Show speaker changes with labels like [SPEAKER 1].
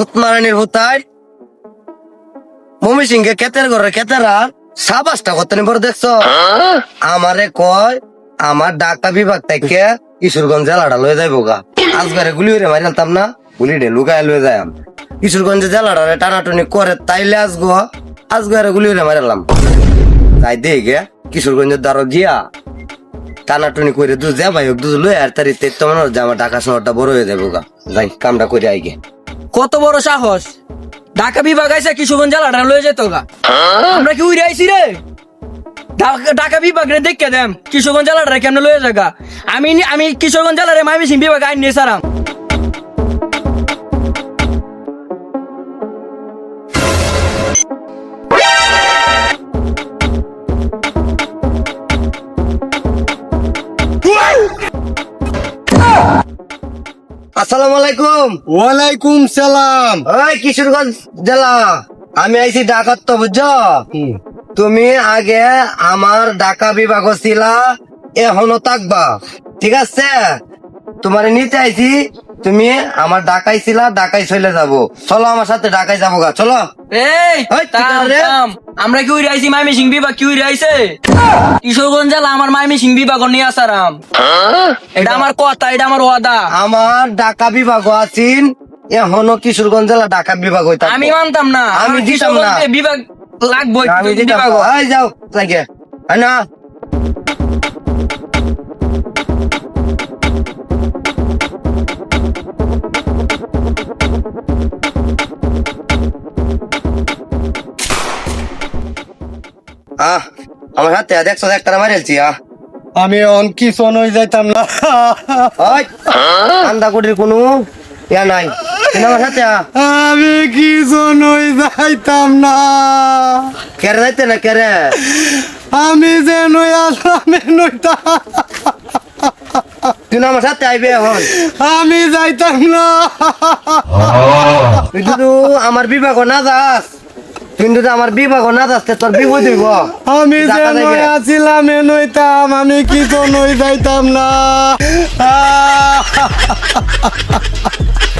[SPEAKER 1] হুতমারানির হুতাই mummy সিংকে ক্ষেতের ঘরে ক্ষেতেরা সাবাসটা কত পর দেখছো আমারে কয় আমার ডাক্তার বিভাগ থেকে কিশোরগঞ্জ জেলাটা লয়ে যাইব গা আজগারে গুলি হইরে মারিলাম না গুলি ডে লুকায় লয়ে যায় কিশোরগঞ্জ জেলাটারে টানাটুনি করে তাইলে আজগারে গুলি হইরে মারিলাম তাই দিয়ে গে কিশোরগঞ্জের দ্বারা গিয়া টানাটুনি করে দুধ যা ভাই দুধ লয়ে আর তার ইতে তোমার আমার ঢাকা শহরটা বড় হয়ে যাবো গা যাই কামটা করে আইগে
[SPEAKER 2] কত বড় সাহস ঢাকা বিভাগ আইসা কিশোরগঞ্জ জেলাটা লয়ে যেত গা আমরা কি উড়ে আইছি রে ঢাকা বিভাগ রে দেখে দেম কিশোরগঞ্জ জেলাটা কেমনে লয়ে যাগা আমি কিশোরগঞ্জ জেলার ময়মনসিংহ বিভাগ আইন নিয়ে সারাম
[SPEAKER 1] আসসালামু আলাইকুম।
[SPEAKER 3] ওয়ালাইকুম সালাম।
[SPEAKER 1] ওই কিশোরগঞ্জ জেলা আমি আইছি ঢাকার তো বুঝছো তুমি আগে আমার ঢাকা বিভাগ ছিলা এখনো থাকবা ঠিক আছে তোমার নিতে আইছি তুমি আমার ঢাকায় ছিলা ঢাকায় চলে যাবো চলো আমার সাথে ঢাকায় যাবো গা চলো
[SPEAKER 2] এই
[SPEAKER 1] ওই,
[SPEAKER 2] থাম,
[SPEAKER 1] রে।
[SPEAKER 2] থাম। আমরা কি উড়ে আইছি ময়মনসিংহ বিভাগ কি উড়ে আইছে কিশোরগঞ্জ জেলা আমার ময়মনসিংহ বিভাগ নিয়ে আসারাম এটা আমার কথা এটা আমার ওয়াদা
[SPEAKER 1] আমার ঢাকা বিভাগ আছেন এখনো কিশোরগঞ্জ জেলা ঢাকা বিভাগ হইতা
[SPEAKER 2] আমি মানতাম না
[SPEAKER 1] আমি
[SPEAKER 2] আমার
[SPEAKER 1] দিতাম না।
[SPEAKER 2] কিশোরগঞ্জে বিভাগ লাগবে
[SPEAKER 1] আমি দিতাম
[SPEAKER 2] বিভাগ
[SPEAKER 1] এই যাও লাগে না আমার হাতে দেখছো একটা মারেলছি
[SPEAKER 3] আমি অন কি হয়ে যাইতাম না।
[SPEAKER 1] আন্দা কুটির কোনো ইয়া নাই আমার সাথে
[SPEAKER 3] আমি কি হয়ে যাইতাম না।
[SPEAKER 1] কেরে যাইতে না কেরে
[SPEAKER 3] আমি যে নই আসলাম নইতাম।
[SPEAKER 1] তুই আমার সাথে আইবে এখন
[SPEAKER 3] আমি যাইতাম না।
[SPEAKER 1] তুই তো আমার বিভাগ না যাস কিন্তু আমার বিভাগ না যাস তোর বিপদ হইব
[SPEAKER 3] আমি যে
[SPEAKER 1] ঢাকা
[SPEAKER 3] নই
[SPEAKER 1] যাইবে।
[SPEAKER 3] আসিলাম নইতাম। আমি কি নই যাইতাম না।